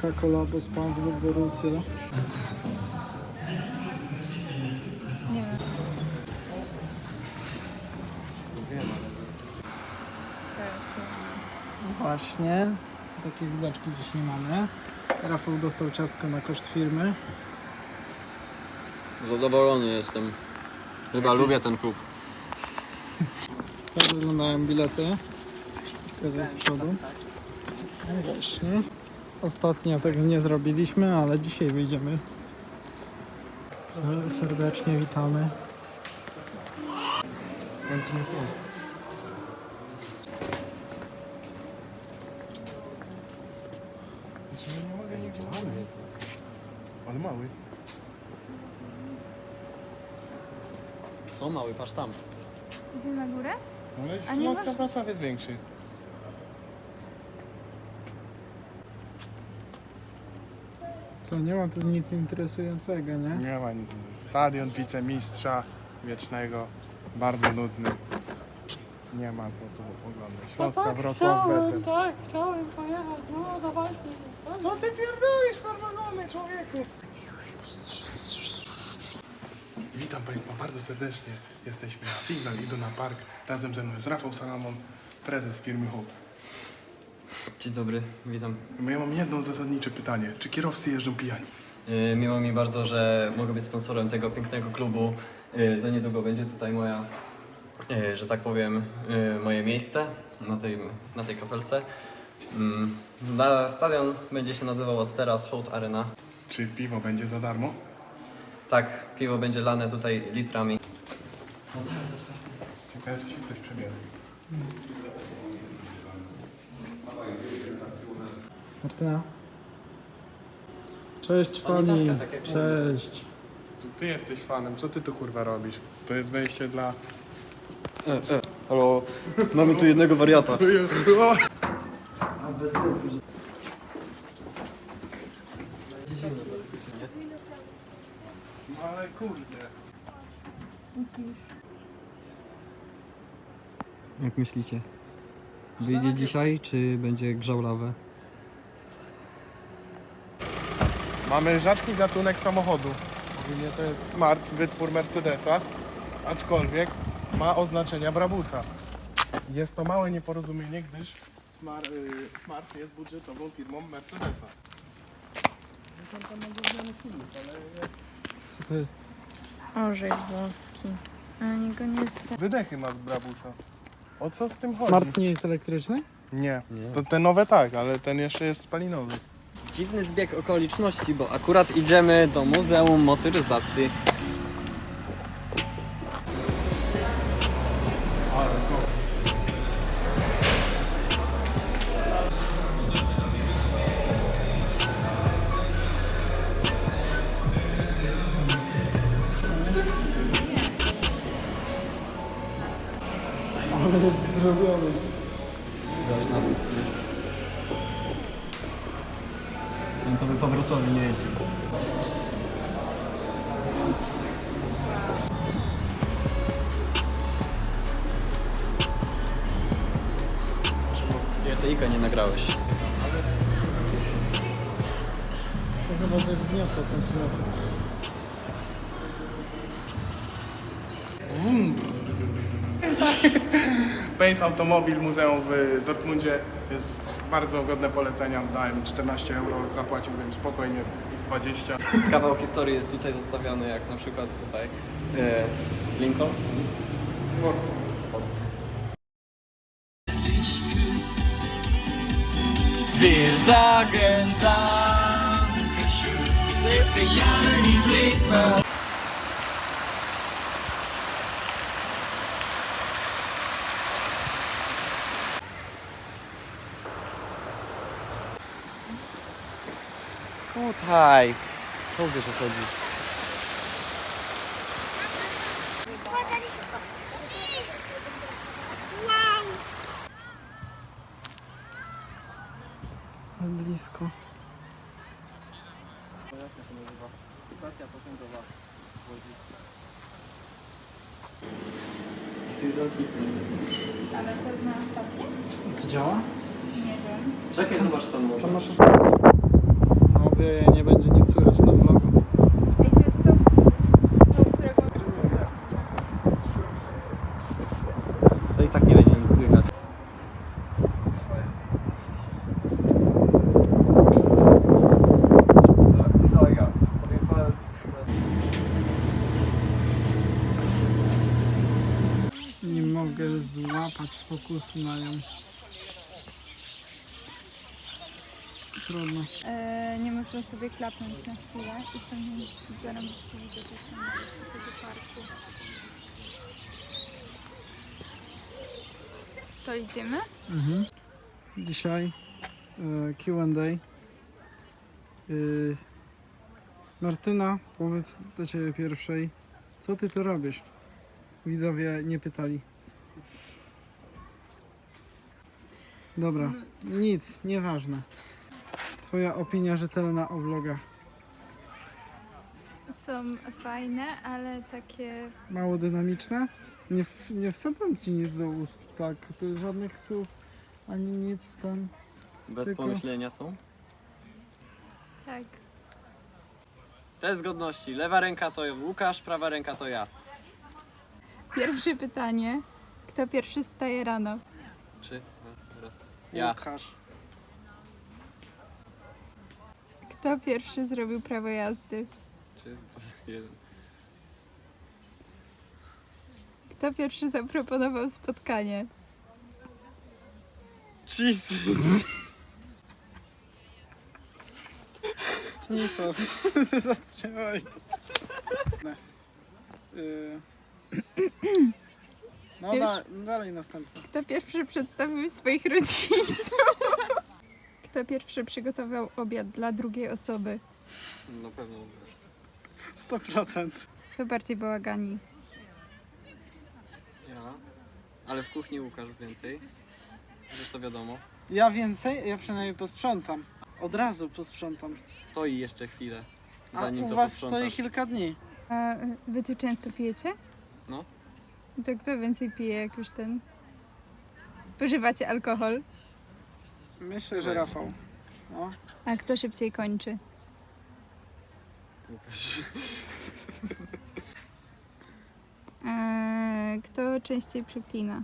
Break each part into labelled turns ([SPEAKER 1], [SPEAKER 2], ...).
[SPEAKER 1] Coca-Cola do SpongeBob Borussia.
[SPEAKER 2] Nie wiem.
[SPEAKER 1] No właśnie, takie widoczki dziś nie mamy. Rafał dostał ciastko na koszt firmy.
[SPEAKER 3] Zadowolony jestem. Chyba lubię ten klub.
[SPEAKER 1] Tak wyglądają bilety. Pokazuję z przodu. No właśnie. Ostatnio tego nie zrobiliśmy, ale dzisiaj wyjdziemy. Serdecznie witamy.
[SPEAKER 4] Ale mały.
[SPEAKER 3] Są mały, patrz tam.
[SPEAKER 2] Idziemy na górę?
[SPEAKER 4] Ale
[SPEAKER 2] A nie
[SPEAKER 4] Śląska
[SPEAKER 2] masz-
[SPEAKER 4] Wrocław jest większy.
[SPEAKER 1] Co, nie ma tu nic interesującego, nie?
[SPEAKER 4] Nie ma nic. Stadion wicemistrza wiecznego. Bardzo nudny. Nie ma co tu oglądać. Śląska Wrocław Betem.
[SPEAKER 1] tak, chciałem pojechać, no dawajcie.
[SPEAKER 4] Co ty pierdolisz, farmazony, człowieku? Witam Państwa bardzo serdecznie. Jesteśmy na Signal Iduna Park. Razem ze mną jest Rafał Salamon, prezes firmy Hope.
[SPEAKER 3] Dzień dobry, witam.
[SPEAKER 4] Ja mam jedno zasadnicze pytanie. Czy kierowcy jeżdżą pijani?
[SPEAKER 3] Miło mi bardzo, że mogę być sponsorem tego pięknego klubu. Za niedługo będzie tutaj moja, że tak powiem, moje miejsce na tej kafelce. Stadion będzie się nazywał od teraz Hołd Arena.
[SPEAKER 4] Czy piwo będzie za darmo?
[SPEAKER 3] Tak, piwo będzie lane tutaj litrami.
[SPEAKER 4] Ciekawe, czy się ktoś przebiera.
[SPEAKER 1] Martyna. Cześć fani.
[SPEAKER 3] Sanitarka, tak jak
[SPEAKER 1] Cześć.
[SPEAKER 4] Ty jesteś fanem, co ty tu kurwa robisz? To jest wejście dla...
[SPEAKER 3] Halo, mamy tu jednego wariata. Bez sensu.
[SPEAKER 4] No ale kurde.
[SPEAKER 5] Jak myślicie? Wyjdzie dzisiaj, czy będzie grzał lawę?
[SPEAKER 4] Mamy rzadki gatunek samochodu. Ogólnie to jest Smart, wytwór Mercedesa, aczkolwiek ma oznaczenia Brabusa. Jest to małe nieporozumienie, gdyż Smart jest budżetową firmą Mercedesa.
[SPEAKER 1] Co to jest?
[SPEAKER 2] Orzech włoski. A niego nie zda.
[SPEAKER 4] Wydechy ma z Brabusa. O co z tym chodzi?
[SPEAKER 1] Smart nie jest elektryczny?
[SPEAKER 4] Nie. To te nowe tak, ale ten jeszcze jest spalinowy.
[SPEAKER 3] Dziwny zbieg okoliczności, bo akurat idziemy do Muzeum Motoryzacji.
[SPEAKER 4] Ale to...
[SPEAKER 1] Ale jest zrobiony.
[SPEAKER 5] Ten to by po Wrocławiu nie jeździł.
[SPEAKER 3] JTI-ka nie nagrałeś.
[SPEAKER 1] To chyba, że zgniotło ten smok.
[SPEAKER 4] Pace Automobil Muzeum w Dortmundzie jest bardzo godne polecenia. Dałem 14 euro, zapłaciłbym spokojnie z 20.
[SPEAKER 3] Kawał historii jest tutaj zostawiony, jak na przykład tutaj Lincoln.
[SPEAKER 6] Wir sagen Dankeschön, wird sich alle die Fliegen.
[SPEAKER 3] Tutaj. To wiesz o co chodzi.
[SPEAKER 1] Blisko.
[SPEAKER 3] Stacja pociągowa w Łodzi.
[SPEAKER 2] Ale to na stopnie?
[SPEAKER 1] To działa?
[SPEAKER 2] Nie wiem.
[SPEAKER 3] Czekaj, zobacz tam może.
[SPEAKER 1] Tam masz zawieje, nie będzie nic słychać na vlogu.
[SPEAKER 2] Ej, to jest to, którego...
[SPEAKER 3] To i tak nie będzie nic słychać.
[SPEAKER 1] Nie mogę złapać fokusu na nią. Trudno.
[SPEAKER 2] nie można sobie klapnąć na chwilę i tam zarobić widok, jak tam iść do tego parku. To idziemy?
[SPEAKER 1] Mhm. Dzisiaj Q&A. Martyna, powiedz do Ciebie pierwszej, co Ty tu robisz? Widzowie nie pytali. Dobra, nic, nieważne. Twoja opinia rzetelna o vlogach.
[SPEAKER 2] Są fajne, ale takie...
[SPEAKER 1] Mało dynamiczne? Nie wsadzam Ci nic do ust, tak, to żadnych słów, ani nic tam.
[SPEAKER 3] Bez
[SPEAKER 1] Tylko-
[SPEAKER 3] pomyślenia są.
[SPEAKER 2] Tak.
[SPEAKER 3] Test godności. Lewa ręka to Łukasz, prawa ręka to ja.
[SPEAKER 2] Pierwsze pytanie. Kto pierwszy wstaje rano?
[SPEAKER 3] 3, 2, raz. Ja.
[SPEAKER 1] Łukasz.
[SPEAKER 2] Kto pierwszy zrobił prawo jazdy?
[SPEAKER 3] 3, 2, 1.
[SPEAKER 2] Kto pierwszy zaproponował spotkanie?
[SPEAKER 3] Cheese.
[SPEAKER 1] Nie to, zatrzymaj. No
[SPEAKER 2] Już?
[SPEAKER 1] dalej następny.
[SPEAKER 2] Kto pierwszy przedstawił swoich rodziców? Kto pierwszy przygotował obiad dla drugiej osoby?
[SPEAKER 3] Na pewno.
[SPEAKER 1] 100%.
[SPEAKER 2] Kto bardziej bałagani?
[SPEAKER 3] Ja. Ale w kuchni Łukasz więcej. Przecież to wiadomo.
[SPEAKER 1] Ja więcej, ja przynajmniej posprzątam. Od razu posprzątam.
[SPEAKER 3] Stoi jeszcze chwilę,
[SPEAKER 1] A
[SPEAKER 3] zanim
[SPEAKER 1] u
[SPEAKER 3] to
[SPEAKER 1] was
[SPEAKER 3] posprzątasz.
[SPEAKER 1] stoi kilka dni.
[SPEAKER 2] A wy tu często pijecie?
[SPEAKER 3] No.
[SPEAKER 2] To kto więcej pije, jak już spożywacie alkohol?
[SPEAKER 1] Myślę, że Rafał. No.
[SPEAKER 2] A kto szybciej kończy?
[SPEAKER 3] Łukasz.
[SPEAKER 2] Kto częściej przeklina?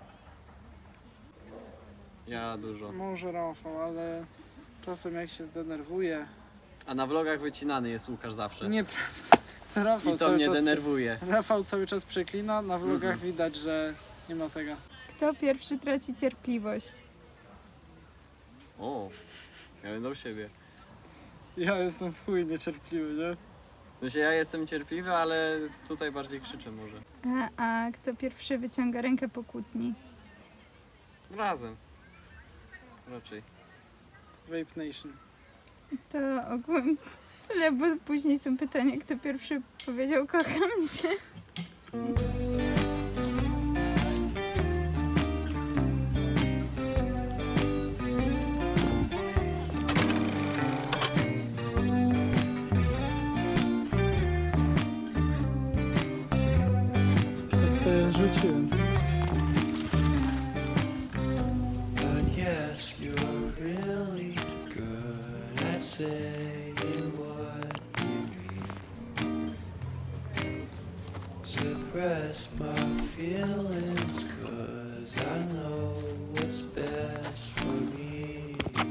[SPEAKER 3] Ja dużo.
[SPEAKER 1] Może Rafał, ale czasem jak się zdenerwuje.
[SPEAKER 3] A na vlogach wycinany jest Łukasz zawsze.
[SPEAKER 1] Nieprawda. To Rafał
[SPEAKER 3] I to
[SPEAKER 1] cały
[SPEAKER 3] mnie
[SPEAKER 1] czas,
[SPEAKER 3] denerwuje.
[SPEAKER 1] Rafał cały czas przeklina, na vlogach widać, że nie ma tego.
[SPEAKER 2] Kto pierwszy traci cierpliwość?
[SPEAKER 3] O, ja będę u siebie.
[SPEAKER 1] Ja jestem w chuj niecierpliwy, nie?
[SPEAKER 3] Znaczy ja jestem cierpliwy, ale tutaj bardziej krzyczę może.
[SPEAKER 2] A kto pierwszy wyciąga rękę po kłótni?
[SPEAKER 3] Razem. Raczej.
[SPEAKER 1] Vape Nation.
[SPEAKER 2] To ogółem tyle, bo później są pytania, kto pierwszy powiedział kocham cię.
[SPEAKER 1] Tak sobie rzuciłem.
[SPEAKER 6] But yes, you're really good at saying what you mean. Suppress my feelings, 'cause I know what's best for me.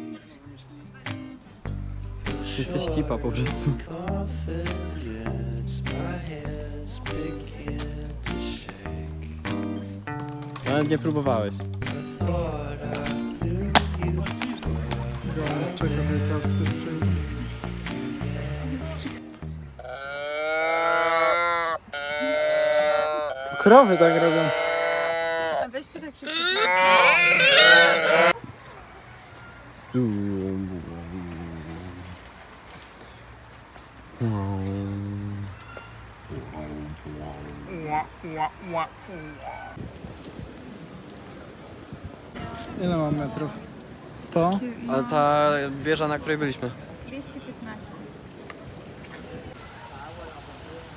[SPEAKER 5] Jesteś cipa po prostu.
[SPEAKER 6] Confidence, my hands begin to shake.
[SPEAKER 3] Nawet nie próbowałeś.
[SPEAKER 6] I thought I knew you.
[SPEAKER 1] Gołąb czeka, że każdy przyjdzie. Krowy tak robią.
[SPEAKER 2] A weź sobie tak szybko.
[SPEAKER 1] Ile mam metrów? 100?
[SPEAKER 3] Ale ta wieża, na której byliśmy.
[SPEAKER 2] 215.